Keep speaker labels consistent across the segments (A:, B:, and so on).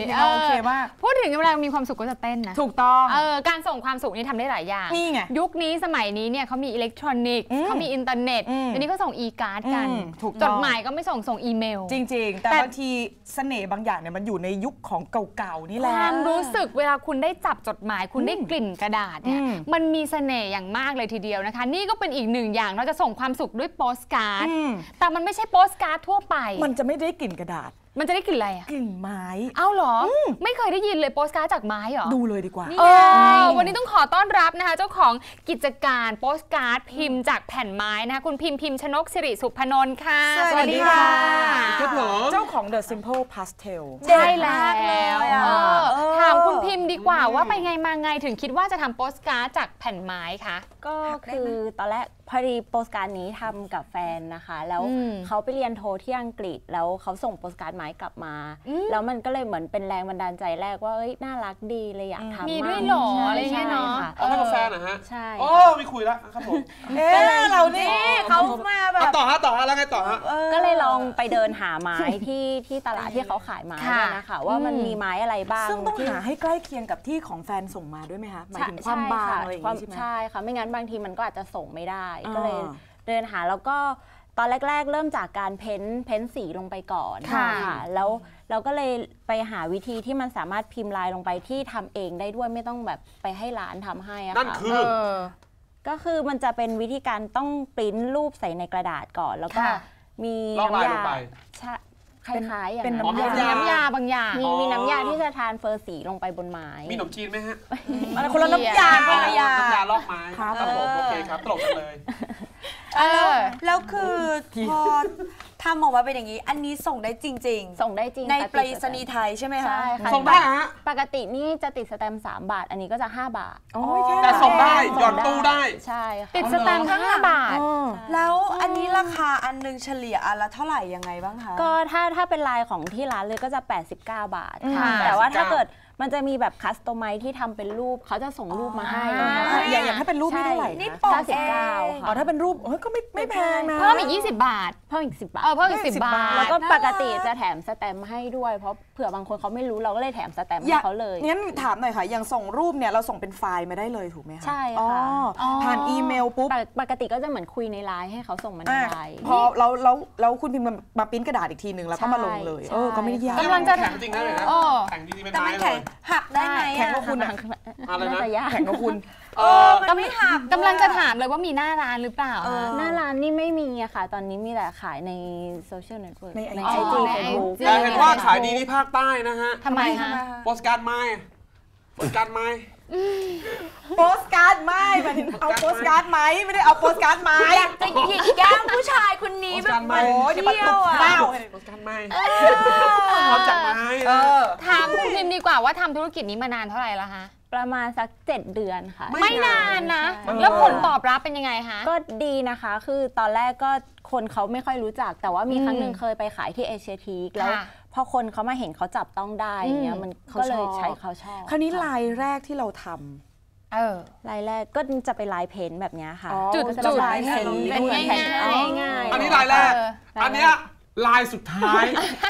A: โอเคมาก
B: พูดถึงเวลามีความสุขก็จะเต้นนะ
A: ถูกต้อง
B: การส่งความสุขนี่ทำได้หลายอย่าง
A: นี่ไง
B: ยุคนี้สมัยนี้เนี่ยเขามีอิเล็กทรอนิกส์เขามีอินเทอร์เน็ตอันนี้ก็ส่งอีการ์ดกันจดหมายก็ไม่ส่งอีเมล
A: จริงๆแต่บางทีเสน่ห์บางอย่างเนี่ยมันอยู่ในยุคของเก่าๆนี่แหละ
B: ความรู้สึกเวลาคุณได้จับจดหมายคุณได้กลิ่นกระดาษเนี่ยมันมีเสน่ห์อย่างมากเลยทีเดียวนะคะนี่ก็เป็นอีกหนึ่งอย่างเราจะส่งความสุขด้วยโปสการ์ดแต่มันไม่ใช่โปสการ์ดทั่วไป
A: มันจะไม่ได้กลิ่นกระดาษ
B: มันจะได้กลิ่นอะไรอะ
A: กลิ่นไม้
B: เอ้าเหรอไม่เคยได้ยินเลยโปสการ์ดจากไม้เหรอ
A: ดูเลยดีกว่า
B: วันนี้ต้องขอต้อนรับนะคะเจ้าของกิจการโปสการ์ดพิมพ์จากแผ่นไม้นะคะคุณพิมพ์ชนกสิริสุพนนท์ค่ะ
A: สวัสดีค่ะ
C: ครับผม
A: เจ้าของ The Simple Pastel
B: ใช่แล้วถามคุณพิมพ์ดีกว่าว่าไปไงมาไงถึงคิดว่าจะทำโปสการ์ดจากแผ่นไม้คะ
D: ก็คือตอนแรกพอดีโปสการ์ดนี้ทำกับแฟนนะคะแล้วเขาไปเรียนโทที่อังกฤษแล้วเขาส่งโปสการ์ดไม้กลับมาแล้วมันก็เลยเหมือนเป็นแรงบันดาลใจแรกว่าน่ารักดีเลยอยากทำ
B: มีด้วยหรออะไรเงี้ยเนาะ
C: เอาให้กับแฟนนะฮะ
D: ใช่
C: โอ้ไม่คุยแล้วครับผม
A: เรานี่เขามาแบบ
C: ต่อฮะแล้วไงต่อฮะ
D: ก็เลยลองไปเดินหาไม้ที่ตลาดที่เขาขายไม้นะคะว่ามันมีไม้อะไรบ้าง
A: ซึ่งต้องหาให้ใกล้เคียงกับที่ของแฟนส่งมาด้วยไหมคะหมายถึงความบางอะไรอย่างนี้ใช่ไหม
D: ใช่ค่ะไม่งั้นบางทีมันก็อาจจะส่งไม่ได้ก็เลยเดินหาแล้วก็ตอนแรกๆเริ่มจากการเพ้นสีลงไปก่อนค่ะแล้วเราก็เลยไปหาวิธีที่มันสามารถพิมพ์ลายลงไปที่ทำเองได้ด้วยไม่ต้องแบบไปให้ร้านทำให้อะค่ะ
C: นั่นคือ
D: ก็คือมันจะเป็นวิธีการต้องปริ้นรูปใส่ในกระดาษก่อนแล้วก็มี
C: น้ำยา
D: คล้ายๆอย่าง
A: เป็น
B: น้ำยาบางอย่าง
D: มีน้ำยาที่จะทานเฟอร์สีลงไปบนไม้
C: มีขนมจีนไหมฮะ
A: คนละน้ำยา
C: น้ำยาลอกไม้ครับผมโอเคครับตลกกันเลย
E: แล้วคือพอทำออกมาเป็นอย่างนี้อันนี้ส่งได้จริงๆ
D: ส่งได้จริง
E: ในไปรษณีย์ไทยใช่ไหมคะ
D: ใช่ค่ะ
C: ส่งได้ฮะ
D: ปกตินี่จะติดสแตมป์3 บาทอันนี้ก็จะ5 บาท
C: แต่ส่งได้หย่อนตู้ได้
D: ใช่
B: ติดสแตมป์5 บาท
E: แล้วอันนี้ราคาอันนึงเฉลี่ยอันละเท่าไหร่ยังไงบ้างคะ
D: ก็ถ้าเป็นลายของที่ร้านเลยก็จะ89 บาทค่ะแต่ว่าถ้าเกิดมันจะมีแบบคัสตอมไมซ์ที่ทำเป็นรูปเขาจะส่งรูปมาให้
A: อย่างถ้าเป็นรูปนี่เท่าไหร่
E: นี่ปอกเอง
D: ค่ะ
A: ถ้าเป็นรูปก็ไม่แพงนะ
B: เพิ่มอีก20 บาท
D: เพิ่มอีก10 บาท
B: เพิ่มอีก10 บาท
D: แล้วก็ปกติจะแถมสแตมป์ให้ด้วยเพราะเผื่อบางคนเขาไม่รู้เราก็เลยแถมสแตมป์ให้เขาเลย
A: งั้นถามหน่อยค่ะอย่างส่งรูปเนี่ยเราส่งเป็นไฟล์มาได้เลยถูกไหมคะ
D: ใช่ค่ะ
A: ผ่านอีเมลปุ๊บ
D: ปกติก็จะเหมือนคุยในไลน์ให้เขาส่งมาในไลน์
A: พอเราคุณพิมพ์มาปริ้นกระดาษอีกทีหนึ่งแล้วก็มาลงเลยก็ไม่ได้ยาก
B: กำลังจะ
C: แข็งจริงนะเลยนะแข็งจริงๆเป็นไม้เลย
E: หักได้ไหม
A: แข็งกว่าคุณ
C: อะไรนะ
A: แข็งกว่าคุณ
E: มันไม่หัก
B: กำลังจะถามเลยว่ามีหน้าร้านหรือเปล่า
D: หน้าร้านนี่ไม่มีอะค่ะตอนนี้มีแต่ขายในโซเชียลเน็ตเวิร์กใน IG
B: ใน
D: Facebook
C: แต่เห็นว่าขายดีที่ภาคใต้นะฮะ
B: ทำไมคะ
C: โปสการ์ดไม้โปสการ์ดไม้
A: โปสการ์ดไม้หมายถึงเอาโปสการ์ดไม้ไม่ได้เอาโปสการ์ดไม้
E: อยากจะหยิกแก้มผู้ชายคนนี้แบบ
A: โอ้ยเดี๋ยวมาตบเต้า
C: โปสการ์ดไม้ทำจากไม้
B: ถามคุณพิมพ์ดีกว่าว่าทำธุรกิจนี้มานานเท่าไหร่แล้วคะ
D: ประมาณสัก7 เดือนค่ะ
B: ไม่นานนะแล้วผลตอบรับเป็นยังไงคะ
D: ก็ดีนะคะคือตอนแรกก็คนเขาไม่ค่อยรู้จักแต่ว่ามีครั้งหนึ่งเคยไปขายที่เอเชียทีคแล้วพอคนเขามาเห็นเขาจับต้องได้อย่างเงี้ยมันก็เลยใช้เขาชอบ
A: คราวนี้ลายแรกที่เราท
D: ำลายแรกก็จะเป็นลายเพ้นแบบนี้ค่ะ
B: จุด
D: ลายเพ้น
B: เป็นง่าย
C: อันนี้ลายแรกอันนี้ลายสุดท้าย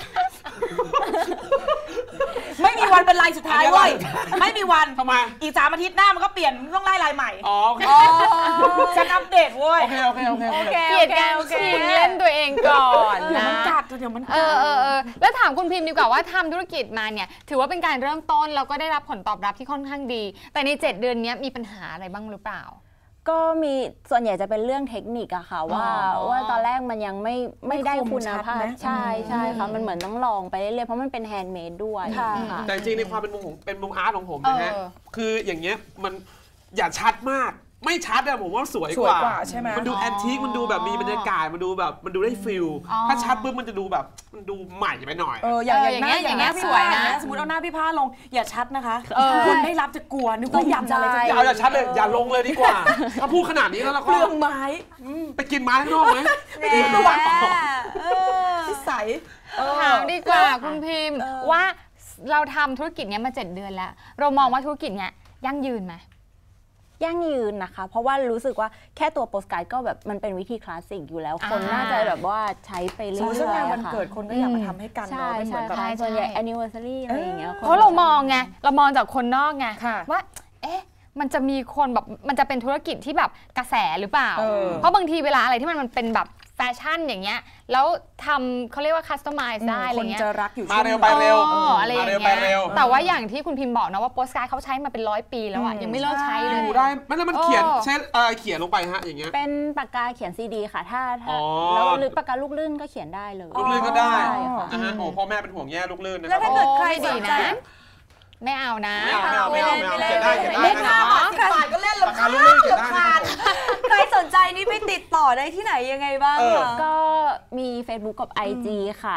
A: ไม่มีวันเป็นลายสุดท้ายเว้ยไม่มีวัน
C: ทำไม
A: อีก3 อาทิตย์หน้ามันก็เปลี่ยนต้องไล่ลายใหม่ฉันอัปเดตเว้ย
C: โอเค
B: เกลียดการชิงเล่นตัวเองก่อนนะ
A: เดี๋ยวมัน
B: แล้วถามคุณพิมพ์ดีกว่าว่าทำธุรกิจมาเนี่ยถือว่าเป็นการเริ่มต้นแล้วก็ได้รับผลตอบรับที่ค่อนข้างดีแต่ใน7 เดือนนี้มีปัญหาอะไรบ้างหรือเปล่า
D: ก็มีส่วนใหญ่จะเป็นเรื่องเทคนิคอะค่ะว่าตอนแรกมันยังไม่ได้คุณภาพใช่ค่ะมันเหมือนต้องลองไปเรื่อยๆเพราะมันเป็นแฮนด์เมดด้วย
C: แต่จริงในความเป็นมุมอาร์ตของผมนะฮะคืออย่างเงี้ยมันอย่าชัดมากไม่ชัดอะผมว่าสวยกว่า
A: ใช่ไหม
C: มันดูแอนทิคมันดูแบบมีบรรยากาศมันดูแบบมันดูได้ฟิลถ้าชัดปุ๊บมันจะดูแบบมันดูใหม่ไปหน่อย
B: อย่างเงี้ยสวยนะ
A: สมมติเอาหน้าพี่ผ้าลงอย่าชัดนะคะคนไม่รับจะกลัวนึกว่ายันอะไร
C: อย่าชัดเลยอย่าลงเลยดีกว่าถ้าพูดขนาดนี้แล้วก็
A: เปลืองไม้
C: ไปกินไม้ข้างนอกไหม
A: ไม่กินตัวนิสัย
B: ถามดีกว่าคุณพิมพ์ว่าเราทำธุรกิจนี้มา7 เดือนแล้วเรามองว่าธุรกิจนี้ยั่งยืนไหม
D: ยั่งยืนนะคะ เพราะว่ารู้สึกว่าแค่ตัวโปสการ์ดก็แบบมันเป็นวิธีคลาสสิกอยู่แล้ว คนน่าจะแบบว่าใช้ไปเรื่อยๆ
A: ซึ่งงานวัน
D: ค่ะ
A: เกิดคนก็อยากมาทำให้กัน
D: ใช่
A: เนาะเป็นเหมือนกับ
D: ใช่ส่วนใหญ่ anniversary อะไรอย่างเงี้ย
B: เพราะเรามองไงเรามองจากคนนอกไง
A: ค่ะ
B: ว่าเอ๊ะมันจะมีคนแบบมันจะเป็นธุรกิจที่แบบกระแสหรือเปล่า เพราะบางทีเวลาอะไรที่มันเป็นแบบแฟชั่นอย่างเงี้ยแล้วทำเขาเรียกว่าคัสตอมไมซ์ได้อะไร
A: คน
B: เงี้ย
A: จะรักอยู่
C: มาเร็วไปเร็ว
B: อะไรอย่าง
C: ไป
B: เงี้ย
C: เร็ว
B: แต่ว่าอย่างที่คุณพิมพ์บอกนะว่าโปสการ์ดเขาใช้มาเป็น100 ปีแล้วอะยังไม่เลิกใช้เลย
C: อยู่ได้ไม่แล้วมันเขียนใช้เขียนลงไปฮะอย่างเงี้ย
D: เป็นปากกาเขียนซีดีค่ะถ้า
C: อ๋อ
D: แล้วหรือปากกาลูกลื่นก็เขียนได้เลย
C: ลูกลื่นก็ได้
D: ใช่ค่ะ
C: นะฮะโอ้พ่อแม่เป็นห่วงแย่ลูกลื่นนะค
E: แล้
C: รั
E: ว
C: บ
E: ถ้าเกิดใคร
B: ไม่
E: ส
B: ดี
E: นใจ
B: นะ ไม่เอานะ
C: ไม่เอาเขียนได้
B: เล่น
C: นะ
B: เนาะ
A: 10 บาทก็เล่น
C: ปากกาลูกลื่นเขียนได้นะครับ
E: ใครสนใจนี่ไปติดต่อได้ที่ไหนยังไงบ้าง
C: เออ
E: คะ
D: ก็มี Facebook กับ IG ค่ะ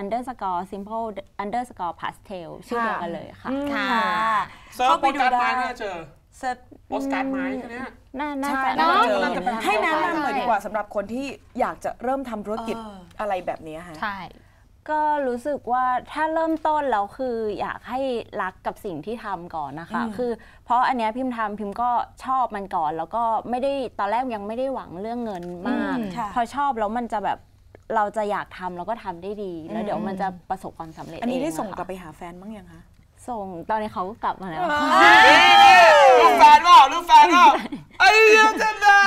D: the_simple_pastel ชื่อเดียวกันเลยค่ะ
B: ค่ะ
C: เซิร์ฟโปสการ์ดไม้น่าเจอ
E: เซิร์ช
C: โปสการ์ดไม้แค่เนี้ย
D: น่า
A: ใช่
D: จะ
A: น่าจะเจอ
C: น่าจะเป็น
A: ให้แนะนำหน่อยดีกว่าสำหรับคนที่อยากจะเริ่มทำธุรกิจ
E: เออ
A: อะไรแบบนี้ฮะ
B: ใช่
D: ก็รู้สึกว่าถ้าเริ่มต้นแล้วคืออยากให้รักกับสิ่งที่ทำก่อนนะคะ คือเพราะอันเนี้ยพิมก็ชอบมันก่อน แล้วก็ไม่ได้ตอนแรกยังไม่ได้หวังเรื่องเงินมาก
E: ค่ะ
D: พอชอบแล้วมันจะแบบเราจะอยากทำแล้วก็ทำได้ดี แล้วเดี๋ยวมันจะประสบความสำเร็จ
A: อันนี้ได้
D: เะ
A: ส่ง
D: ค่ะ
A: กลับไปหาแฟนบ้างยังคะ
D: ส่งตอนนี้เขาก็กลับมาแล้ว
C: ลูกแฟนเปล่าลูกแฟนเปล่าไอ้เหี้ยจะได้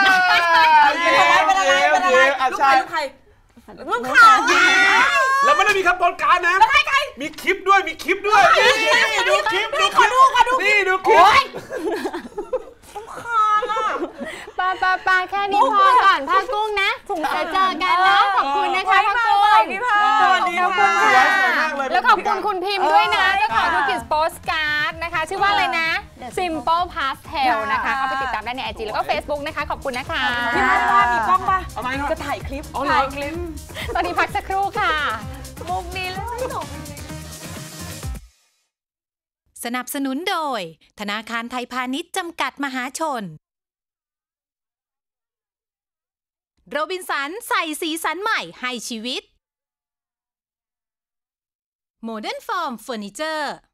C: ใช่
A: ลูกใคร
E: ลูกข่าว
C: แล้วไม่ได้มีแค่โปสการ์ดนะมีคลิปด้วยมีคลิปด้วยนี่ดูคลิปนี่ดูคลิป
B: ปาแค่นี้พอก่อนผ้ากุ้งนะเดี๋ยวเจอกันนะขอบคุณนะคะผ้ากุ้ง
E: พี่พา
A: สวัสดีค่ะ
B: ขอบคุณค่ะ
C: สวยมากเลย
B: แล้วขอบคุณคุณพิมพ์ด้วยนะ
E: เออ
B: เจ้าของ
E: ค่ะ
B: ธุรกิจโปสการ์ดนะคะ ชื่อว่าอะไรนะ Simple Pastel นะคะ เข้าไปติดตามได้ใน IG แล้วก็ Facebook นะคะ ขอบคุณนะคะ
A: พี่พัดว่ามีกล้องป่ะ
C: ทำไมเนาะ
A: จะถ่ายคลิป
B: ถ่ายคลิป ตอนนี้พักสักครู่ค่ะ
E: มุกนี้แล้วไม่ส่ง
F: สนับสนุนโดยธนาคารไทยพาณิชย์จำกัดมหาชนโรบินสันใส่สีสันใหม่ให้ชีวิตโมเดิร์นฟอร์มเฟอร์นิเจอร์